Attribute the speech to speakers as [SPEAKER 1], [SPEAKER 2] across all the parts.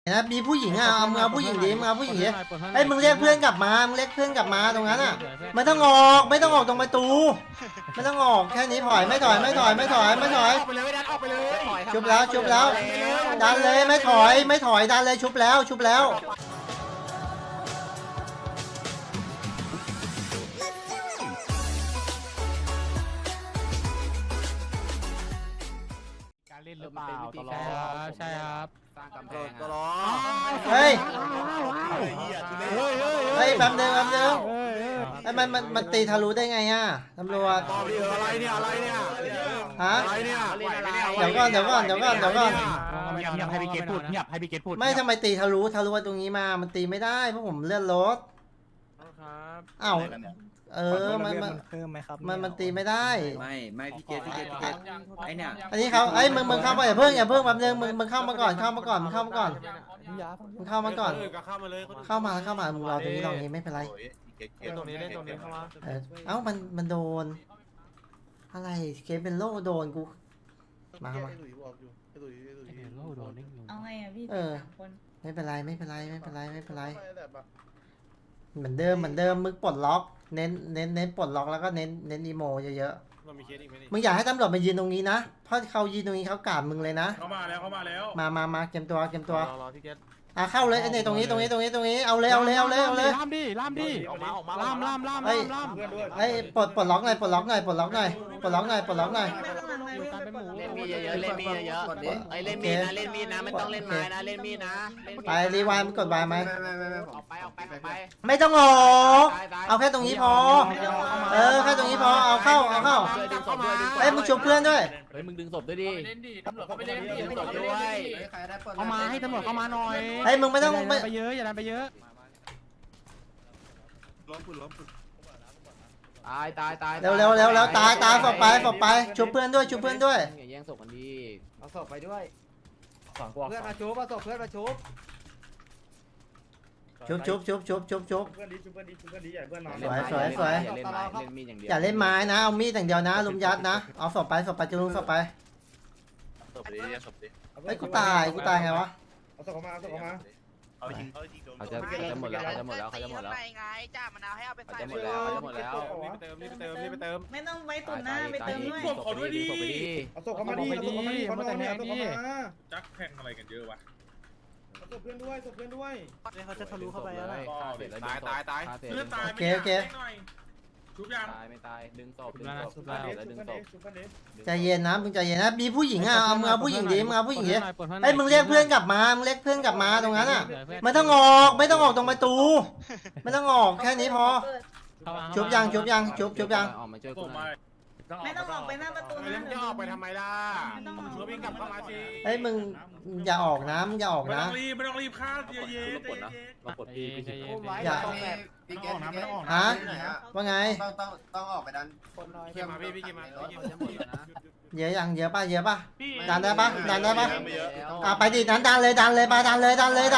[SPEAKER 1] นะมีผู้หญิงอ่ะเอามึงเอาผู้หญิงดิมึงเอาผู้หญิงดิไอ้มึงเรียกเพื่อนกลับมามึงเรียกเพื่อนกลับมาตรงนั้นอ่ะไม่ต้องออกไม่ต้องออกตรงประตูไม่ต้องออกแค่นี้ถอยไม่ถอยไม่ถอยไม่ถอยไม่ถอย
[SPEAKER 2] ไปเลยดันออกไปเลย
[SPEAKER 1] ชุบแล้วชุบแล้วดันเลยไม่ถอยไม่ถอยดันเลยชุบแล้วชุบแล้ว
[SPEAKER 3] การเล่นหรือเปล่าตลอดใช่ครับสร้างกำแพงตลอด
[SPEAKER 1] เฮ้ยเฮ้ยแป๊บนึงไอ้มันตีทะลุได้ไงอ่ะตำรวจ
[SPEAKER 2] อะไรเนี่ย
[SPEAKER 1] ฮะเดี๋ยวก่อน
[SPEAKER 3] เงียบให้พี่เกตพูดเงียบให้พี่เกตพูด
[SPEAKER 1] ไม่ทำไมตีทะลุตรงนี้มามันตีไม่ได้เพราะผมเลื่อนรถอ้าวมันตีไม่ได้
[SPEAKER 4] ไม่พี่เกตไอเนี่ย
[SPEAKER 1] อันนี้เขามึงเข้ามาอย่าเพิ่งแป๊บนึงมึงเข้ามาก่อนเข้ามาก่อนเข้ามาก่อนเข้ามามึงรอตรงนี้ไม่เป็นไร
[SPEAKER 2] เล่นตรงนี้เข้ามา
[SPEAKER 1] เอ้ามันโดนอะไรเคสเป็นโล่โดนกูมา
[SPEAKER 5] เอาไงอ่ะพี่คน
[SPEAKER 1] ไม่เป็นไรเหมือนเดิมมึงปลดล็อกเน้นปลดล็อกแล้วก็เน้นอีโมเยอะๆมึงอยากให้ตำรวจมายืนตรงนี้นะเพราะเขายืนตรงนี้เขากราบมึงเลยนะ
[SPEAKER 2] เข้ามาแล้ว
[SPEAKER 1] มาเกมตัว
[SPEAKER 2] รอพี่เกต
[SPEAKER 1] เข้าเลยไอ้เนี่ยตรงนี้เอาเลย
[SPEAKER 3] ล่ามดิ
[SPEAKER 2] ออกมา
[SPEAKER 3] ล่าม
[SPEAKER 1] ไอ้ปลดล็อกหน่อย
[SPEAKER 5] ไม่ต้องหลังเลย
[SPEAKER 4] เล่นมีเยอะเล่นมีเยอะไอเล่นมีนะไม่ต้องเล่นไม้นะเล่นมีนะ
[SPEAKER 1] ไปรีวายมันกดวายไหม
[SPEAKER 4] ออกไป
[SPEAKER 1] ไม่ต้องออกเอาแค่ตรงนี้พอแค่ตรงนี้พอเอาเข้าไอ้มึงชุบเพื่อนด้วย
[SPEAKER 4] เฮ้ยมึงดึงศพด้วยดิ
[SPEAKER 3] ตำรวจเขาไปเล่นดึงศพด้วยเข้ามาให้ตำรวจเข้ามาหน่อย
[SPEAKER 1] ไอ้มึงไม่ต้อง
[SPEAKER 3] ไปเยอะอย่าดันไปเยอะ
[SPEAKER 4] ล้มตาย
[SPEAKER 1] เร็วตายศพไปชุบเพื่อนด้วย
[SPEAKER 4] อย่าแย่งศพกันดี
[SPEAKER 6] เอาศพไปด้วยเพื่อนมาชุบเอาศพเพื่อนมาชุบ
[SPEAKER 1] ชุบเพื่อนดีอย่าเพื่อนนอนสวยอย่าเล่นไม้นะเอามีดอย่างเดียวนะลุมยัดนะเอาศพไปจะลุมศพไปไอ้กูตายไงวะ
[SPEAKER 6] เอาศพมา
[SPEAKER 4] เขาจะหมดแล้ว
[SPEAKER 5] ไงจ้ามะนาวให้เอาไปใส่
[SPEAKER 4] จะหมดแล้ว
[SPEAKER 2] รีบไปเติม
[SPEAKER 5] ไม่ต้องไว้ตุ่นหน้าไปเติมด้วย
[SPEAKER 2] ขอด้วยดิ
[SPEAKER 6] เอาศพเข้ามาดิ
[SPEAKER 2] จักแพงอะไรกันเยอะวะ
[SPEAKER 6] เอาศพเพื่อนด้วย
[SPEAKER 3] เขาจะทะลุเข้าไปแล้ว
[SPEAKER 2] ตายเลือดตาย
[SPEAKER 1] โอเค
[SPEAKER 2] ชุบยัง
[SPEAKER 4] ไม่ตายดึงศพ
[SPEAKER 1] ใจเย็นนะมึงใจเย็นนะมีผู้หญิงอ่ะเอามึงเอาผู้หญิงดิไอ้มึงเรียกเพื่อนกลับมาตรงนั้นอ่ะไม่ต้องออกตรงประตูไม่ต้องออกแค่นี้พอชุบยัง
[SPEAKER 4] ออกมาช่วยกู
[SPEAKER 5] ไม่ต้องออกไปหน้าประตูนะ
[SPEAKER 2] จะออกไปทำไมล่ะชุบวิ่งกลับเข้ามาสิ
[SPEAKER 1] ไอ้มึงอย่าออกนะ
[SPEAKER 2] ไม่ต้องรีบฆ่าเย็น
[SPEAKER 4] มาปลดพี่
[SPEAKER 1] อย่าฮะว่าไง
[SPEAKER 6] ต้องออกไปดัน
[SPEAKER 2] เกี่ยมาพี่เกี่ยมา
[SPEAKER 1] เยอะป่ะดันได้ปะไปดิดันเลยดันเลยดันเลยดันเลย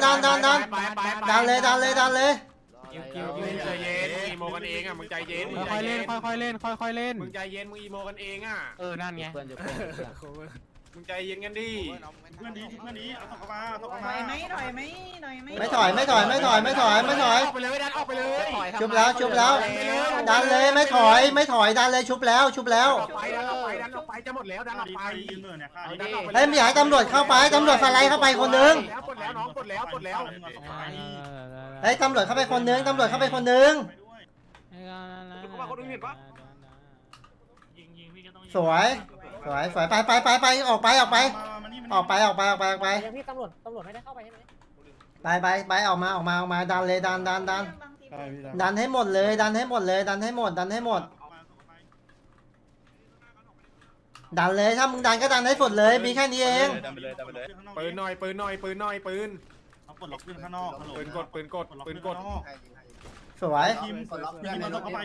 [SPEAKER 2] ใจเย็นอีโมกันเองอ่ะมึงใจเย็น
[SPEAKER 3] ค่อยเล่น
[SPEAKER 2] มึงใจเย็นมึงอีโมกันเองอ่ะ
[SPEAKER 3] นั่นไง
[SPEAKER 2] มึงใจเย็นกันดิเพื่อนดีเอาเข้ามา
[SPEAKER 5] ถอยไหม
[SPEAKER 1] ไม่ถอย
[SPEAKER 2] ไปเลยดันออกไปเลย
[SPEAKER 1] ชุบแล้วดันเลยไม่ถอยดันเลยชุบแล้ว
[SPEAKER 2] ดันออกไปจะหมดแล้วดันออกไป
[SPEAKER 1] เฮ้ยไม่อยากให้ตำรวจเข้าไปตำรวจสไลด์เข้าไปคนนึง
[SPEAKER 2] ปลดแล้ว
[SPEAKER 1] เฮ้ยตำรวจเข้าไปคนนึงสวยไปออกไป
[SPEAKER 3] พี่ตำรวจไม่ได้เข้าไปใช่ไหม
[SPEAKER 1] ไปออกมาดันเลยดันให้หมดดันเลยถ้ามึงดันก็ดันให้สุดเลยมีแค่นี้เอง
[SPEAKER 2] ปืนหน่อยปืนปลดล็อกปืนข้างนอกปืนกด
[SPEAKER 1] สวย
[SPEAKER 2] ปืนกดไว้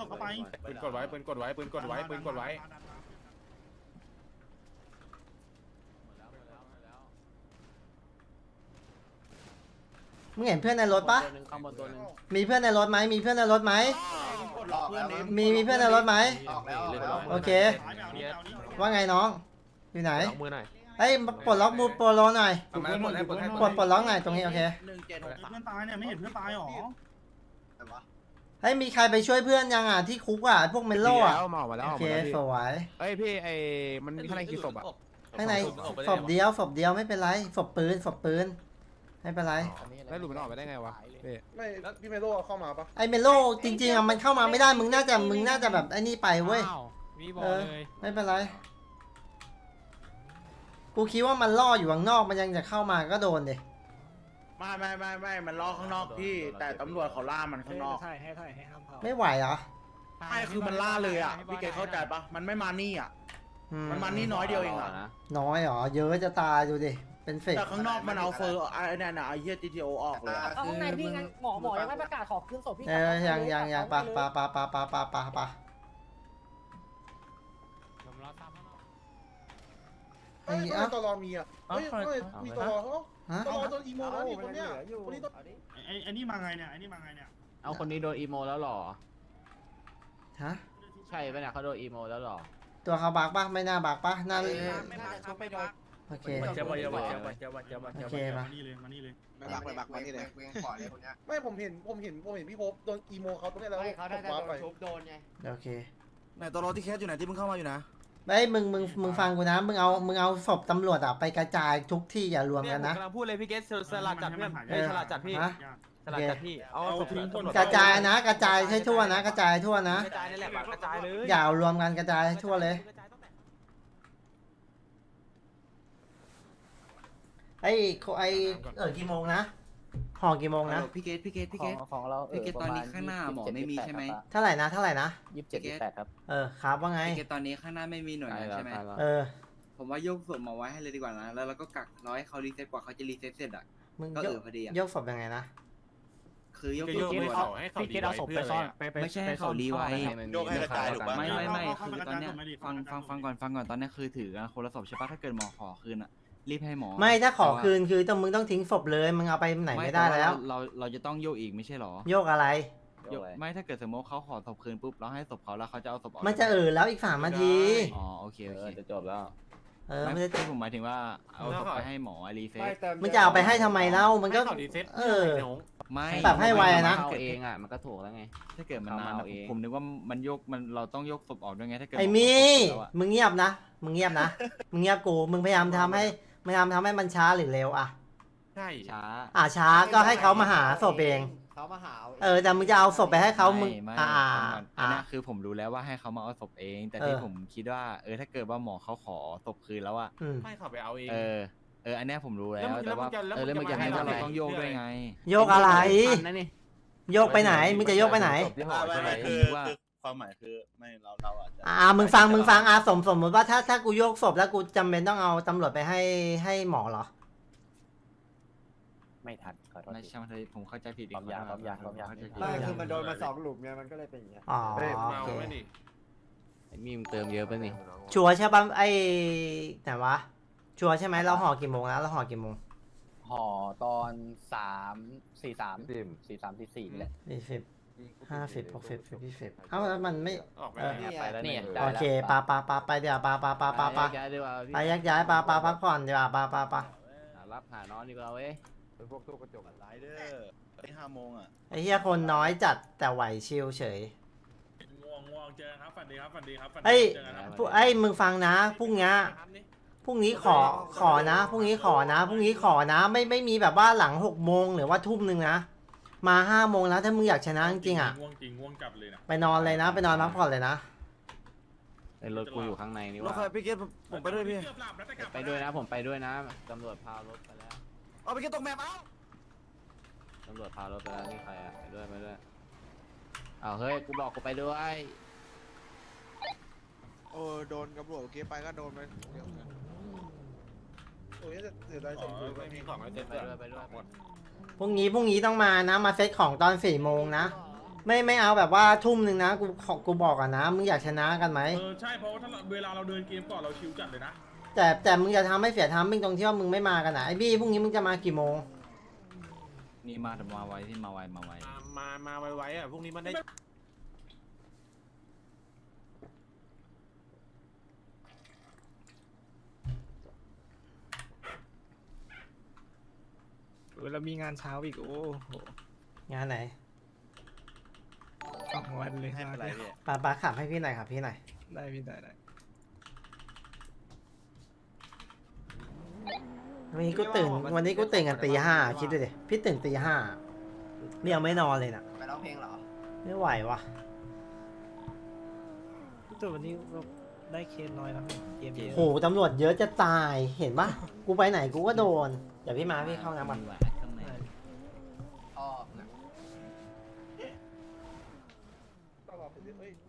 [SPEAKER 1] มึงเห็นเพื่อนในรถปะมีเพื่อนในรถไหมมีเพื่อนในรถไหมโอเคว่าไงน้องอยู่ไหนเอ้ยปลดล็อกบูโปโลหน่อย
[SPEAKER 2] เอามาให้หมดให้หมดให้หม
[SPEAKER 1] ปล
[SPEAKER 2] ด
[SPEAKER 1] ดล็อกหน่อยตรงนี้โอเค
[SPEAKER 6] เพื่อนตายเนี่ยไม่เห็นเพื่อนตายหรอ
[SPEAKER 1] เฮ้ยมีใครไปช่วยเพื่อนยังอ่ะที่คุกอ่ะพวกเมลโล่อ่ะ
[SPEAKER 3] หมอมาแล้ว
[SPEAKER 1] โอเคสวย
[SPEAKER 3] เอ้ยพี่ไอ้มันมีข้างในกี่ศพอ่ะ
[SPEAKER 1] ข้างในศพเดียวไม่เป็นไรศพปืนไม่เป็นไร
[SPEAKER 3] แล้วหลุดมันออกไปได้ไงวะพี่
[SPEAKER 2] ไม่พี่เมโลเข้ามาปะ
[SPEAKER 1] ไอเมลโล่จริงๆอ่ะมันเข้ามาไม่ได้มึงน่าจะแบบไอ้นี่ไปเว้ย
[SPEAKER 7] มีบอ
[SPEAKER 1] เอ
[SPEAKER 7] ล
[SPEAKER 1] อ
[SPEAKER 7] เลย
[SPEAKER 1] ไม่เป็นไรกูคิดว่ามันล่ออยู่ข้างนอกมันยังจะเข้ามาก็โดนดิ
[SPEAKER 8] ไม่มันล้อข้างนอกพี่ แต่ตำรวจเขาล่ามันข้างนอก
[SPEAKER 6] ให้ห้ามเผา
[SPEAKER 1] ไม่ไหวเหรอ
[SPEAKER 8] ไม่คือมันล่าเลยอ่ะพี่เกเข้าใจปะมันไม่มานี่อ่ะ
[SPEAKER 1] อื
[SPEAKER 8] มันมานี่น้อยเดียวเองอ่ะ
[SPEAKER 1] น้อยเหรอเยอะจะตายดูดิเป็นเฟก
[SPEAKER 8] แต่ข้างนอกมันเอาเฟอร์ไอ้นั่นน่ะไอ้เหี้ย GTO ออกเลยอะ
[SPEAKER 6] เอาข้างในพี่งั้นหมอยังไม่ประกาศขอขึ้นศพพี่
[SPEAKER 1] ยังปะไอ้เอ้า
[SPEAKER 2] ตลอมีอ่ะเฮ้ยมีตลอเขา
[SPEAKER 1] ฮะ
[SPEAKER 2] ตลอโดนอีโมแล้วนี่คนเนี้ยคนนี้ต้อง
[SPEAKER 6] ไอ้นี่มาไงเนี่ย
[SPEAKER 4] เอาคนนี้โดนอีโมแล้วหรอ
[SPEAKER 1] ฮะ
[SPEAKER 4] ใช่ปะเนี่ยเขาโดนอีโมแล้วหรอ
[SPEAKER 1] ตัวเขาบักปะไม่น่าบักปะน่า
[SPEAKER 5] ไม่พักครับไม่พัก
[SPEAKER 1] โอเค
[SPEAKER 8] เจ็บปะ
[SPEAKER 1] โอเคปะ
[SPEAKER 6] มานี่เลย
[SPEAKER 2] ไปบักมานี่เลยเวงขอเลยคนเนี้ยไม่ผมเห็นพี่พบโดนอีโมเขาตรงนี้แล้ว
[SPEAKER 6] เขาได้
[SPEAKER 2] ว้าไป
[SPEAKER 6] ชุบโดนไง
[SPEAKER 1] โอเค
[SPEAKER 8] ไหนตัวรถที่แคสอยู่ไหนที่มึงเข้ามาอยู่นะ
[SPEAKER 1] ไอ้ยมึงฟังกูนะมึงเอาศพตำรวจอ่ะไปกระจายทุกที่อย่ารวมกันนะ
[SPEAKER 7] กำลังพูดเลยพี่เกสสลัดจัดเพื่อนสลัดจัดพี่
[SPEAKER 1] ฮะ
[SPEAKER 7] สลัดจัดพี่เอาศพทิ้งคน
[SPEAKER 1] กระจายนะกระจายให้ทั่วนะกระจายทั่วนะ
[SPEAKER 7] กระจายนี่แหละกระจายเลย
[SPEAKER 1] อย่าเอารวมกันกระจายให้ทั่วเลยไอ้กี่โมงนะห่อกี่โมงนะ
[SPEAKER 9] พี่เกต
[SPEAKER 6] ของเรา
[SPEAKER 9] พี่เกตตอนนี้ข้างหน้าหมอไม่มีใช่ไหม
[SPEAKER 1] เท่าไหร่นะ
[SPEAKER 6] 27-28ครับ
[SPEAKER 1] ครับว่าไง
[SPEAKER 9] พี่เกตตอนนี้ข้างหน้าไม่มีหน่วยงานใช่ไหม
[SPEAKER 1] เออ
[SPEAKER 9] ผมว่าโยกศพมาไว้ให้เลยดีกว่านะ แล้วเราก็กักรอให้เขารีเซ็ตกว่าเขาจะรีเซ็ตเสร็จอ่ะ
[SPEAKER 1] มึง
[SPEAKER 9] ก็
[SPEAKER 1] ยก
[SPEAKER 9] พอดีอ่ะ
[SPEAKER 1] ยกศพยังไงนะ
[SPEAKER 9] คือยก
[SPEAKER 7] พี่
[SPEAKER 9] ศพ
[SPEAKER 7] เกส
[SPEAKER 9] มา
[SPEAKER 7] เอาพี่เกสเอาศพไปซ่อน
[SPEAKER 9] ไม่ใช่ให้เขารีไว้
[SPEAKER 4] โยกให้กระจายถูกปะ
[SPEAKER 9] ไม่คือตอนเนี้ยฟังก่อนตอนเนี้ยคือถือกันคนละศพใช่ปะถ้าเกิดหมอขอคืนอ่ะรีบให้หมอ
[SPEAKER 1] ไม่ถ้าขอคืนคือต้องมึงต้องทิ้งศพเลยมึงเอาไปไหนไม่ได้แล้ว
[SPEAKER 9] เราจะต้องโยกอีกไม่ใช่หรอ
[SPEAKER 1] โยกอะไร
[SPEAKER 9] ไม่ถ้าเกิดสมมติเขาขอศพคืนปุ๊บเราให้ศพเขาแล้วเขาจะเอาศพออก
[SPEAKER 1] มันจะแล้วอีก3 นาที
[SPEAKER 9] อ๋อโอเค
[SPEAKER 4] จะจบแล้ว
[SPEAKER 1] มัน
[SPEAKER 9] ไม่
[SPEAKER 1] จะ
[SPEAKER 9] ที่ผมหมายถึงว่าเอาศพไปให้หมอรีเซ็ต
[SPEAKER 1] มึงจะเอาไปให้ทำไมเล่ามันก็
[SPEAKER 7] เขาดีเซ็ต
[SPEAKER 9] ไม่
[SPEAKER 1] ปรับให้ไวนะ
[SPEAKER 4] เข้าเองอ่ะมันก็ถูกแล้วไง
[SPEAKER 9] ถ้าเกิดมันนาน
[SPEAKER 4] เอา
[SPEAKER 9] อะ
[SPEAKER 4] เอง
[SPEAKER 9] ผมนึกว่ามันยกมันเราต้องยกศพออกด้วยไงถ้าเกิด
[SPEAKER 1] ไอ้
[SPEAKER 9] ห
[SPEAKER 1] มี่
[SPEAKER 9] ขอศพแล้วอะ
[SPEAKER 1] มึงเงียบนะมึงเงียบกูมึงพยายามทำให้มันช้าหรือเร็วอ่ะ
[SPEAKER 7] ใช่
[SPEAKER 9] ช้า
[SPEAKER 1] ช้าก็ให้เขามาหาศพเอง
[SPEAKER 6] เขามาหา
[SPEAKER 1] แต่มึงจะเอาศพไปให้เขามึง
[SPEAKER 9] ไม่
[SPEAKER 1] อ่า
[SPEAKER 9] ฟังก่อนอันเนี้ยคือผมรู้แล้วว่าให้เขามาเอาศพเอง แต่ที่ผมคิดว่าถ้าเกิดว่าหมอเขาขอศพคืนแล้วอะ
[SPEAKER 7] ไม่เขาไปเอาเอง
[SPEAKER 9] อันเนี้ยผมรู้แล้ว
[SPEAKER 7] แล้วมึง
[SPEAKER 9] แต่
[SPEAKER 7] จะ
[SPEAKER 9] ว่า
[SPEAKER 7] แล้วมึงจะ
[SPEAKER 9] ให้
[SPEAKER 7] ให้
[SPEAKER 9] ว่า
[SPEAKER 7] เรา
[SPEAKER 9] เราต้องโยกด้วยไง
[SPEAKER 1] โยกอะไร
[SPEAKER 4] นั่นนี่
[SPEAKER 1] โยกไปไหนมึงจะโยกไปไหน
[SPEAKER 8] ไม่คือความหมายคือไม่เราอาจจะ
[SPEAKER 1] มึงฟังสมมติว่าถ้ากูโยกศพแล้วกูจำเป็นต้องเอาตำรวจไปให้หมอเหรอ
[SPEAKER 6] ไม่ทันขอโทษ
[SPEAKER 9] ไม่ใช่มันเลยผมเข้าใจผิดอีก
[SPEAKER 6] ความยาว
[SPEAKER 9] เข้ใจผิด
[SPEAKER 6] ไม่คือมันโดนมา2 หลุมไงมันก็เลยเป็นอย่างเงี้ย
[SPEAKER 1] อ๋อ
[SPEAKER 7] เฮ้ย
[SPEAKER 1] โอ
[SPEAKER 7] เมา
[SPEAKER 1] เค
[SPEAKER 7] ไม่ดิ
[SPEAKER 4] มีมเติมเยอะป่ะนี่
[SPEAKER 1] ชัวร์ใช่ป่ะไหนวะชัวร์ใช่ไหมเราห่อกี่โมงแล้วเราห่อกี่โมง
[SPEAKER 6] ห่อตอน43 44แหละ
[SPEAKER 1] 40 50 60 แล้วมันไม่
[SPEAKER 7] ออกไป
[SPEAKER 4] ไปแล้วเนี่ย
[SPEAKER 1] โอเคไปเดี๋ยวไป
[SPEAKER 4] ย้ายดีกว่า
[SPEAKER 1] ไปแยกย้ายพักผ่อนดีกว่าไป
[SPEAKER 4] รับหานอนดีกว่าเว้ย
[SPEAKER 3] เป็นพวกตู้กระจก
[SPEAKER 8] ไลเดอร์ไอ้5 โมงอ่ะ
[SPEAKER 1] ไอ้เหี้ยคนน้อยจัดแต่ไหวชิลเฉย
[SPEAKER 2] ง่วงเจอครับฝันดีครับ
[SPEAKER 1] เอ้ยมึงฟังนะพรุ่งนี้ขอนะพรุ่งนี้ขอนะไม่มีแบบว่าหลัง6 โมงหรือว่าทุ่มนึงนะมา5 โมงแล้วถ้ามึงอยากชนะจริงๆอ่ะ
[SPEAKER 2] ง่วงจับเลยนะ
[SPEAKER 1] ไปนอนเลยนะไปนอนพักผ่อนเลยนะ
[SPEAKER 4] รถกูอยู่ข้างในนี่
[SPEAKER 8] รถ
[SPEAKER 4] ว่า
[SPEAKER 8] ไฟพี่เกตผมไปด้วยพี่
[SPEAKER 4] ไปด้วยนะผมไปด้วยนะตำรวจพารถไปแล้ว
[SPEAKER 8] เอาพี่เกตตกแมปเอา
[SPEAKER 4] ตำรวจพารถไปแล้วนี่ใครอ่ะไปด้วยอ้าวเฮ้ยกูบอกกูไปด้วย
[SPEAKER 8] โดนตำรวจโอเคไปก็โดนไปเดี๋ยวกัน
[SPEAKER 2] โอ้ยเสียดายสมบูรณ์
[SPEAKER 7] ไม่มีของไอ้เซ็ต
[SPEAKER 4] ไปด้วย
[SPEAKER 7] หมด
[SPEAKER 1] พรุ่งนี้ต้องมานะมาเซตของตอน4 โมงนะไม่เอาแบบว่าทุ่มนึงนะกูบอกก่อนนะมึงอยากชนะกันไหม
[SPEAKER 2] ใช่เพราะว่าถ้าเวลาเราเดินเกมก่อนเราชิวจัดเลยนะ
[SPEAKER 1] แต่มึงจะทำให้เสียทามมิ่งตรงที่ว่ามึงไม่มากันนะไอ้บี้พรุ่งนี้มึงจะมากี่โมง
[SPEAKER 9] นี่มาแต่มาไวที่มาไว
[SPEAKER 7] มาไวๆอ่ะพรุ่งนี้มันได้
[SPEAKER 3] แล้วมีงานเช้าอีกโอ้โห
[SPEAKER 1] งานไหน
[SPEAKER 3] 2 วันเลย
[SPEAKER 9] ให้เป็นไรพี่
[SPEAKER 1] ป้าขับให้พี่หน่อยครับพี่หน่อย
[SPEAKER 3] ได้พี่ได้
[SPEAKER 1] วันนี้กูตื่นกันตี 5คิดดูดิพี่ตื่นตี 5นี่ยังไม่นอนเลยน่ะ
[SPEAKER 6] ไปร้องเพลงเหรอ
[SPEAKER 1] ไม่ไหววะ
[SPEAKER 3] แต่วันนี้เราได้เคสน้อยนะเกมเยอะ
[SPEAKER 1] โหตำรวจเยอะจะตายเห็นปะกูไปไหนกูก็โดนเดี๋ยวพี่มาพี่เข้าน้ำก่อน
[SPEAKER 9] มีแหวนข้างใน
[SPEAKER 6] อ๋อ
[SPEAKER 8] ตลอดไปเรื่อย